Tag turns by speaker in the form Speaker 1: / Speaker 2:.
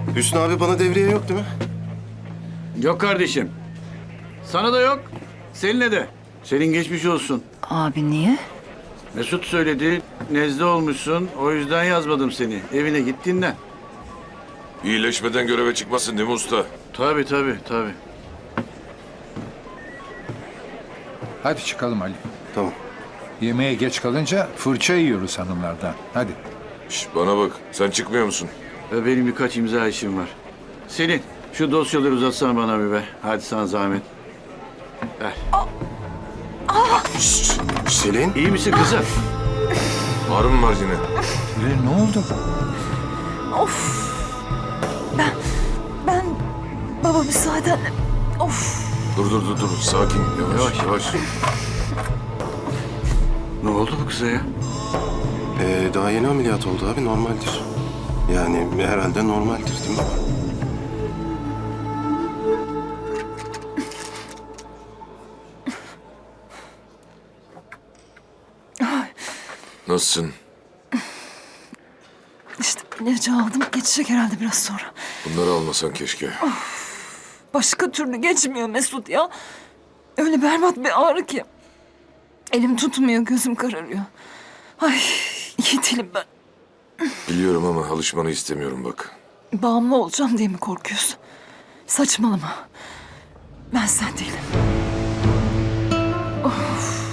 Speaker 1: Hüsnü abi bana devriye yok değil mi?
Speaker 2: Yok kardeşim. Sana da yok. Selin'e de. Selin geçmiş olsun.
Speaker 3: Abi niye?
Speaker 2: Mesut söyledi. Nezle olmuşsun. O yüzden yazmadım seni. Evine git dinlen.
Speaker 4: İyileşmeden göreve çıkmasın değil mi usta?
Speaker 2: Tabii tabii tabii.
Speaker 5: Hadi çıkalım Ali.
Speaker 1: Tamam.
Speaker 5: Yemeğe geç kalınca fırça yiyoruz hanımlardan. Hadi.
Speaker 4: Şş, bana bak, sen çıkmıyor musun?
Speaker 2: Benim birkaç imza işim var. Selin şu dosyaları uzatsana bana bir be. Hadi sana zahmet. Ver.
Speaker 1: Selin.
Speaker 2: İyi misin kızım?
Speaker 4: Ağrı mı var yine?
Speaker 5: Ne oldu?
Speaker 3: Of. Ben baba müsaadenle. Of.
Speaker 4: Dur, sakin, yavaş.
Speaker 2: Ne oldu bu kıza ya?
Speaker 1: Daha yeni ameliyat oldu abi, normaldir. Yani herhalde normaldir değil mi baba?
Speaker 4: Nasılsın?
Speaker 3: İşte ilacı aldım. Geçecek herhalde biraz sonra.
Speaker 4: Bunları almasan keşke.
Speaker 3: Başka türlü geçmiyor Mesut ya. Öyle berbat bir ağrı ki. Elim tutmuyor, gözüm kararıyor. Ay, iyi değilim ben.
Speaker 4: Biliyorum ama alışmanı istemiyorum bak.
Speaker 3: Bağımlı olacağım diye mi korkuyorsun? Saçmalama. Ben sen değilim. Of.